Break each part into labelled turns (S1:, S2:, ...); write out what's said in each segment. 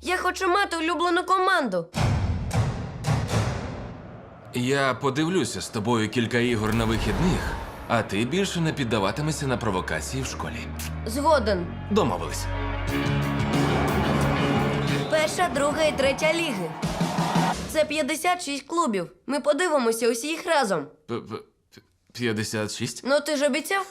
S1: Я хочу мати улюблену команду.
S2: Я подивлюся з тобою кілька ігор на вихідних, а ти більше не піддаватимешся на провокації в школі.
S1: Згоден.
S2: Домовились.
S1: Перша, друга і третя ліги. Це 56 клубів. Ми подивимося усі їх разом.
S2: 56?
S1: Ну ти ж обіцяв?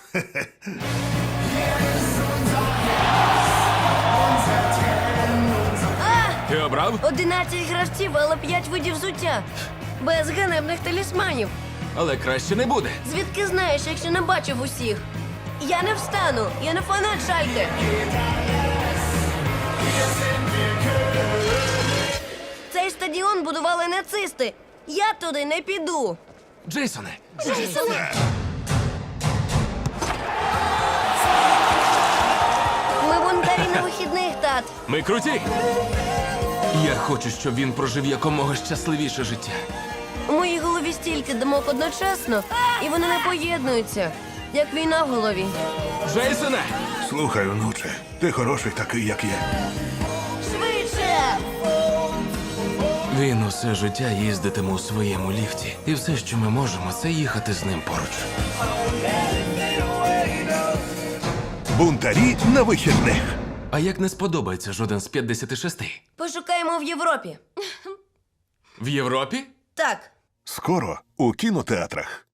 S2: Ти обрав?
S1: 11 гравців, але 5 видів взуття. Без ганебних талісманів.
S2: Але краще не буде.
S1: Звідки знаєш, якщо не бачив усіх? Я не встану, я не фанат Шальке. Цей стадіон будували нацисти. Я туди не піду.
S2: Джейсоне!
S1: Ми бунтарі на вихідних, тат.
S2: Ми круті! Я хочу, щоб він прожив якомога щасливіше життя.
S1: У моїй голові стільки думок одночасно, і вони не поєднуються, як війна в голові.
S2: Джейсоне!
S3: Слухай, онуче, ти хороший такий, як є.
S1: Швидше!
S2: Він усе життя їздитиме у своєму ліфті. І все, що ми можемо, це їхати з ним поруч.
S3: Бунтарі на вихідних.
S2: А як не сподобається жоден з 56?
S1: Пошукаємо в Європі.
S2: В Європі?
S1: Так.
S3: Скоро у кінотеатрах.